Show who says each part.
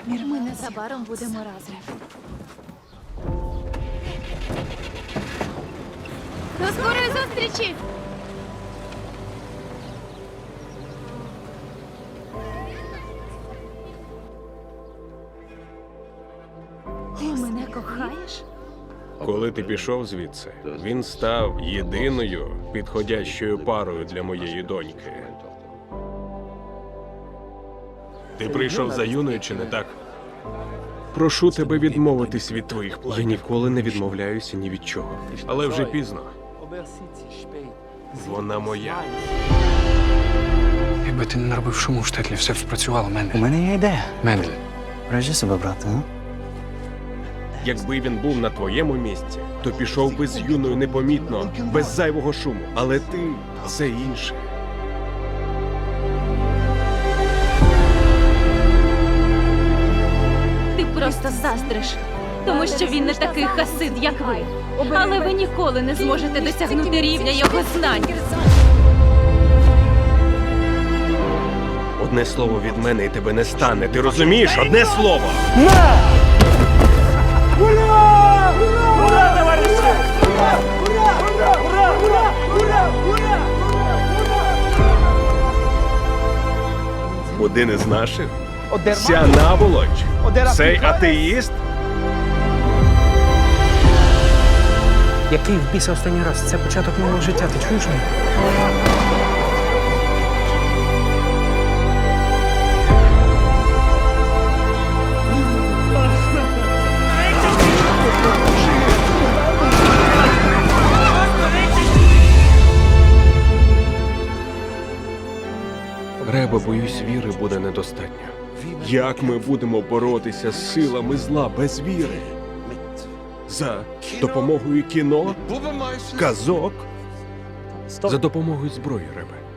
Speaker 1: Ми незабаром будемо разом. До скорої зустрічі! Ти мене кохаєш?
Speaker 2: Коли ти пішов звідси, він став єдиною підходящою парою для моєї доньки. Ти прийшов за Юною, чи не так? Прошу тебе відмовитись від твоїх
Speaker 3: Я
Speaker 2: планів.
Speaker 3: ніколи не відмовляюся ні від чого.
Speaker 2: Але вже пізно. Вона моя.
Speaker 4: Якби ти не наробив шуму в штетлі, все б спрацювало,
Speaker 5: У
Speaker 4: Мендель.
Speaker 5: мене є ідея.
Speaker 4: Мендель.
Speaker 5: Бережи себе, брате, а?
Speaker 2: Якби він був на твоєму місці, то пішов би з Юною непомітно, без зайвого шуму. Але ти – це інше.
Speaker 1: Ти просто заздриш, тому що він не такий хасид, як ви. Але ви ніколи не зможете досягнути рівня його знань.
Speaker 2: Одне слово від мене і тебе не стане. Ти розумієш? Одне слово! Один із наших? Ця наволоч? Цей атеїст?
Speaker 4: Який в біса останній раз? Це початок нового життя, ти чуєш мене?
Speaker 2: Реба, боюсь, віри буде недостатньо. Як ми будемо боротися з силами зла без віри? За допомогою кіно? Казок? За допомогою зброї, Ребе.